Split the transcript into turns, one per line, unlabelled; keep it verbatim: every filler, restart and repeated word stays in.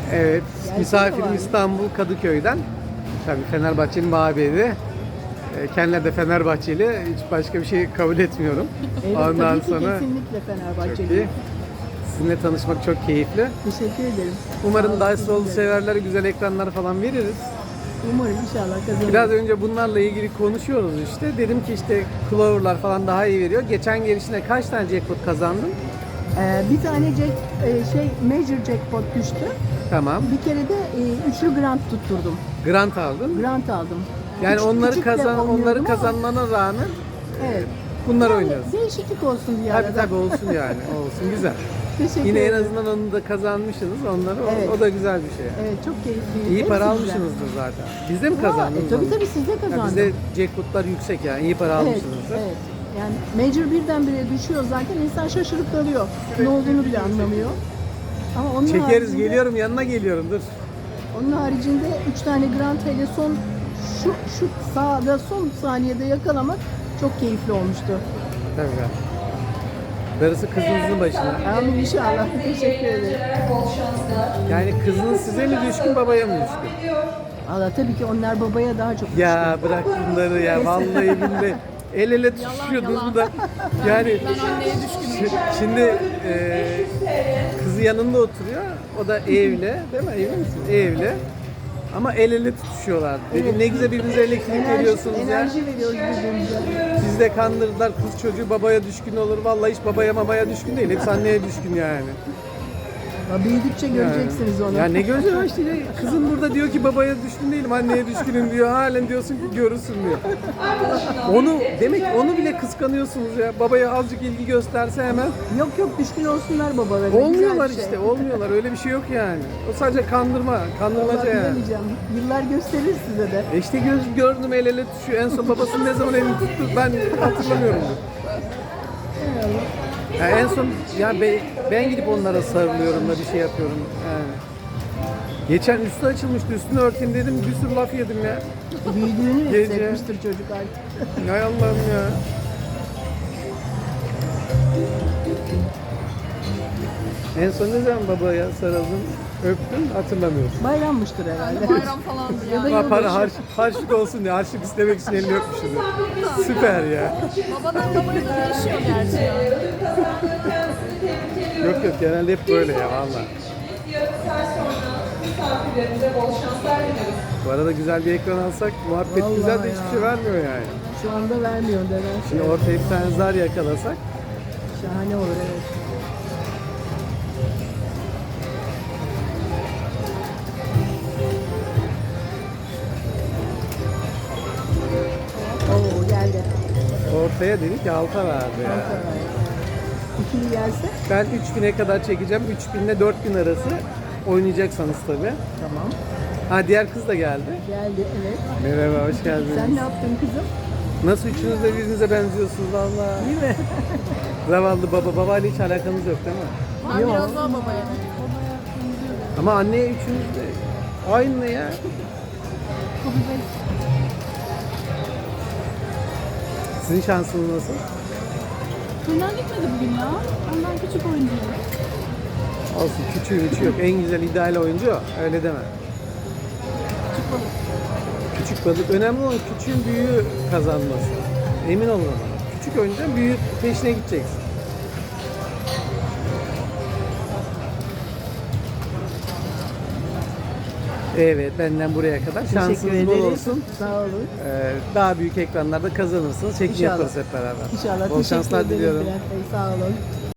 Evet,
Gelsene
misafirim
bari.
İstanbul Kadıköy'den. Tabii Fenerbahçe'nin mabedi. E, Kendileri de Fenerbahçeli. Hiç başka bir şey kabul etmiyorum.
Evet,
Ondan
tabii ki
sonra
kesinlikle
çok
Fenerbahçeli.
iyi. Sizinle tanışmak çok keyifli.
Teşekkür ederim. Sağ
Umarım
olun,
Dice Roll'u
sizin de.
severlere güzel ekranlar falan veririz.
Umarım inşallah kazanırız.
Biraz önce bunlarla ilgili konuşuyoruz işte. Dedim ki işte Clover'lar falan daha iyi veriyor. Geçen gelişine kaç tane jackpot kazandın?
Ee, bir tane jack, e, şey major jackpot düştü.
Tamam.
Bir kere de e, üçlü grant tutturdum.
Grant aldın.
Grant aldım.
Yani
Küçük-
onları
küçük de
kazan
oynuyordum
onları
ama-
kazanmana rağmen
Evet.
bunları
Yani
oynuyorsun.
değişiklik olsun bir
Tabii
arada.
tabii olsun yani. Olsun güzel.
Teşekkür
Yine en
ederim.
azından onu da kazanmışsınız onları. O,
Evet.
o da güzel bir şey.
Evet, çok keyifli.
İyi
Hepsi
para
güzel.
almışsınızdır zaten. Bizde mi
Ha,
kazandınız?
e, tabii
onu?
tabii siz de
Ya
kazandınız.
bizde jackpotlar yüksek yani. İyi para
Evet,
almışsınızdır.
evet. Yani major birdenbire düşüyor zaten, insan şaşırıp kalıyor. Ne olduğunu bile anlamıyor. Ama onun
Çekeriz
haricinde,
geliyorum yanına geliyorum dur.
onun haricinde üç tane grant hele son şu şu sağda son saniyede yakalamak çok keyifli olmuştu.
Tabii. Darısı kızınızın başına.
Amin inşallah. Teşekkür ederim.
Yani kızınız size mi düşkün babaya mı düşkün?
Allah tabii ki onlar babaya daha çok
Ya bırak bunları ya vallahi billahi. El ele tutuşuyordunuz bu da. Yani şi- şimdi e, kızı yanında oturuyor. O da evli, değil mi? Evli misin? Evli. Ama el ele tutuşuyorlar. Dedim ne güzel birbirinize elektrik
enerji,
veriyorsunuz ya.
enerji veriyoruz birbirimize.
Siz de kandırdılar kız çocuğu babaya düşkün olur. Vallahi hiç babaya mamaya düşkün değil. Hepsi anneye düşkün yani.
Ya büyüdükçe göreceksiniz onu.
Ya ne göreceğim işte ya. Kızın burada diyor ki babaya düşkün değilim, anneye düşkünüm diyor. Halen diyorsun ki görürsün diyor. Onu demek onu bile kıskanıyorsunuz ya. Babaya azıcık ilgi gösterse hemen
Yok yok, düşkün olsunlar babalarına.
olmuyorlar
Güzel bir şey.
işte. Olmuyorlar. Öyle bir şey yok yani. O sadece kandırma, kandırmaca
Vallahi
yani.
bilemeyeceğim. Yıllar gösterir size de.
E işte göz gördüm el ele tutuşuyor. En son babasının ne zaman elini tuttu ben hatırlamıyorum. Ya en son ya be- ben gidip onlara sarılıyorum da bir şey yapıyorum yani. Geçen üstü açılmıştı, üstünü örteyim dedim, bir sürü laf yedim ya.
Büyüdüğünü
Gece.
hissetmiştir çocuk artık.
Hay Allah'ım ya. En son ne zaman babaya sarıldın, öptün hatırlamıyorum.
Bayrammıştır herhalde.
Bayram falandı
Ya da
ya.
Ha, para
yılbaşı.
harç, harçlık olsun diye, harçlık istemek için elini öpmüşsün. Süper ya.
Babadan babaya da değişiyor gerçi ya.
Yok yok genelde hep böyle ya valla. Bu arada güzel bir ekran alsak muhabbet
Vallahi
güzel de
ya.
hiçbir şey vermiyor yani.
Şu anda vermiyor nedense.
Şimdi ortaya bir tane zar yakalasak
Şahane olur evet. Oo geldi.
ortaya dedi ki alta verdi ya.
İkili gelse
Ben üç bine kadar çekeceğim. üç bin ile dört bin arası oynayacaksanız tabii.
tamam.
Ha diğer kız da geldi.
Geldi evet.
Merhaba hoş geldiniz.
Sen ne yaptın kızım?
Nasıl üçünüz de birbirinize benziyorsunuz valla.
Değil mi?
Zavallı baba. Babayla hiç alakanız yok değil mi?
Ben
Yok.
biraz daha babaya.
Ama anneye üçünüz de aynı ya. Sizin şansınız nasıl?
Fırından gitmedi bugün ya. Ondan küçük oynuyor.
Olsun küçüğü üçü yok. En güzel ideal oyuncu o. Öyle deme.
Küçük balık.
Küçük balık. Önemli olan küçüğün büyüğü kazanması. Emin olun ona. Küçük oyuncu büyük peşine gideceksin. Evet benden buraya kadar.
Teşekkür
Şansınız bol
ederiz.
olsun.
Sağ olun.
Ee, daha büyük ekranlarda kazanırsınız. Çekim
İnşallah.
yaparız hep beraber.
İnşallah.
Bol
Teşekkür
şanslar
ederim
diliyorum.
Bülent Bey. Sağ olun.